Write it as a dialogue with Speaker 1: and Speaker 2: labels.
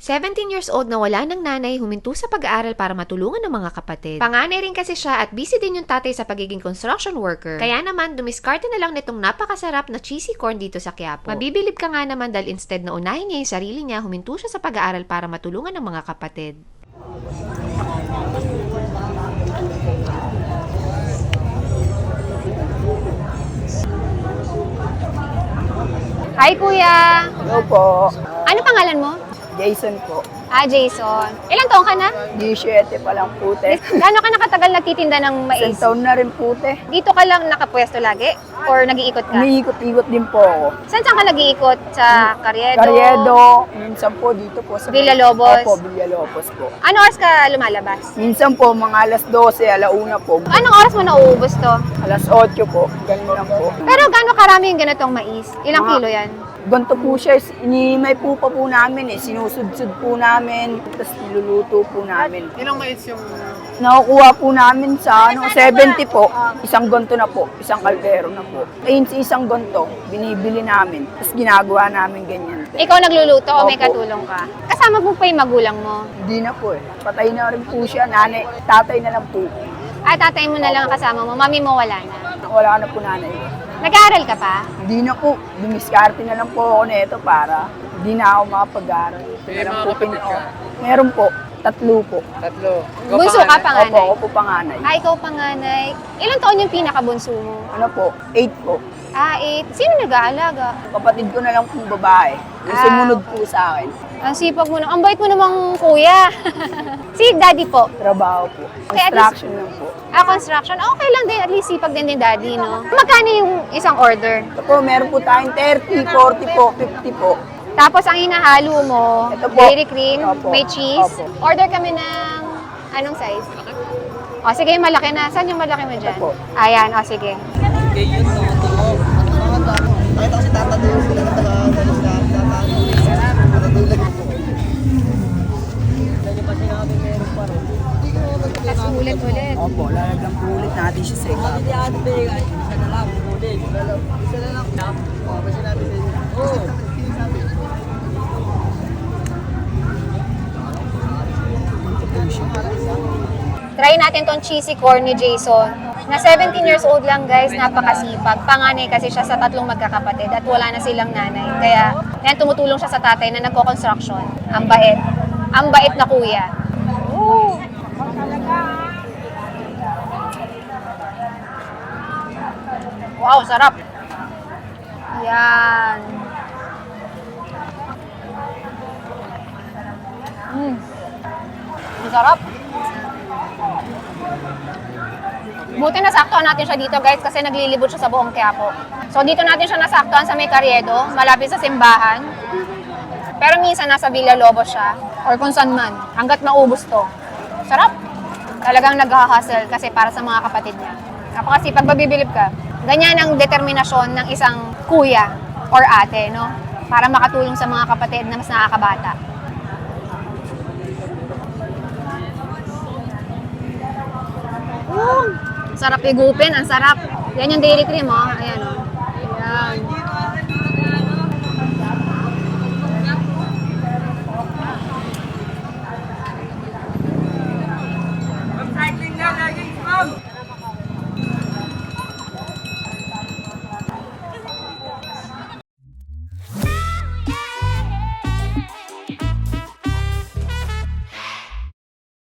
Speaker 1: 17 years old na wala ng nanay, huminto sa pag-aaral para matulungan ng mga kapatid. Panganay rin kasi siya at busy din yung tatay sa pagiging construction worker. Kaya naman, dumiskarte na lang nitong napakasarap na cheesy corn dito sa Quiapo. Mabibilib ka nga naman dahil instead na unahin niya yung sarili niya, huminto siya sa pag-aaral para matulungan ng mga kapatid.
Speaker 2: Hi, Kuya!
Speaker 3: Hello po.
Speaker 2: Ano pangalan mo?
Speaker 3: Jason po.
Speaker 2: Jason. Ilang taong ka na?
Speaker 3: 17 pa lang po, te.
Speaker 2: Gaano ka nakatagal nagtitinda ng mais?
Speaker 3: Isang taon na rin po, te.
Speaker 2: Dito ka lang nakapwesto lagi? Or nag-iikot ka?
Speaker 3: Umiikot-ikot din po ako.
Speaker 2: Saan ka nag-iikot? Sa Carriedo?
Speaker 3: Carriedo, minsan po dito po sa...
Speaker 2: Villalobos?
Speaker 3: Opo, Villalobos po.
Speaker 2: Ano oras ka lumalabas?
Speaker 3: Minsan po, mga alas 12, alauna po.
Speaker 2: Anong oras mo nauubos to?
Speaker 3: Alas 8 po, ganun lang po.
Speaker 2: Pero gaano karami yung ganitong mais? Ilang kilo yan?
Speaker 3: Ganito po siya, inimay po pa po namin sinusudsud po namin, tapos niluluto po namin.
Speaker 4: Ilang mais yung...
Speaker 3: Nakukuha po namin sa 70 po, isang gonto na po, isang kaldero na po. Ayun sa isang gonto, binibili namin, tapos ginagawa namin ganyan.
Speaker 2: Ikaw nagluluto o may
Speaker 3: Opo.
Speaker 2: katulong ka? Kasama mo pa yung magulang mo?
Speaker 3: Hindi na po patay na rin po siya, nanay, tatay na lang po.
Speaker 2: Tatay mo na lang ang kasama mo, mami mo wala na.
Speaker 3: Wala na po nanay.
Speaker 2: Nag-aaral ka pa?
Speaker 3: Hindi na po, dumiskarte na lang po ako nito para hindi na ako makapag-aral.
Speaker 4: May mga kapatid ka?
Speaker 3: Meron po, 3 po.
Speaker 4: Tatlo.
Speaker 2: Bunso ka, panganay?
Speaker 3: Opo, ako po panganay.
Speaker 2: Ikaw panganay. Ilang taon yung pinakabunso mo?
Speaker 3: Ano po, 8 po.
Speaker 2: 8. Sino nag-aalaga?
Speaker 3: Kapatid ko na lang pong babae. Yung sumunod po sa akin.
Speaker 2: Ang sipag mo na. Ang bait mo namang kuya. Si daddy po.
Speaker 3: Trabaho po.
Speaker 2: Kaya at
Speaker 3: Construction lang po.
Speaker 2: Construction. Okay lang din. At least sipag din daddy, no? Magkano yung isang order?
Speaker 3: Ito po, meron po tayong 30, 40 po, 50 po.
Speaker 2: Tapos ang hinahalo mo,
Speaker 3: Ito po.
Speaker 2: dairy cream,
Speaker 3: Opo.
Speaker 2: may cheese.
Speaker 3: Opo.
Speaker 2: Order kami ng anong size? O sige, yung malaki na. Saan yung malaki mo dyan?
Speaker 3: Ito po.
Speaker 2: Ayan, o sige.
Speaker 4: Nakita ko si Tata doon sila na taga-salis na natutulog po. Kaya pa sinabi meron pa rin.
Speaker 2: Tapos ulit-ulit.
Speaker 3: Opo, lalagyan po ulit natin siya sa ikaw.
Speaker 4: Hindi ate Bega, isa na lang, ulit. Isa na lang. Oo, kasi natin sa inyo. Oo.
Speaker 2: Try natin tong cheesy corn ni Jason. Na 17 years old lang guys, napakasipag. Panganay kasi siya sa 3 magkakapatid at wala na silang nanay. Kaya yan, tumutulong siya sa tatay na nagko-construction. Ang bait. Ang bait na kuya. Woo! Wow, sarap. Yan. Ang sarap. Buti nasaktuhan natin siya dito guys kasi naglilibot siya sa buong Quiapo. So dito natin siya nasaktuhan sa may Carriedo, malapit sa simbahan. Pero minsan nasa Villalobos siya or kung saan man, hanggat maubos to. Sarap. Talagang nag-hustle kasi para sa mga kapatid niya. Napakasipag, mabibilib ka. Ganyan ang determinasyon ng isang kuya or ate, no? Para makatulong sa mga kapatid na mas nakakabata. Sarap igupin, ang sarap. Yan yung dairy cream, oh. Ayan, oh.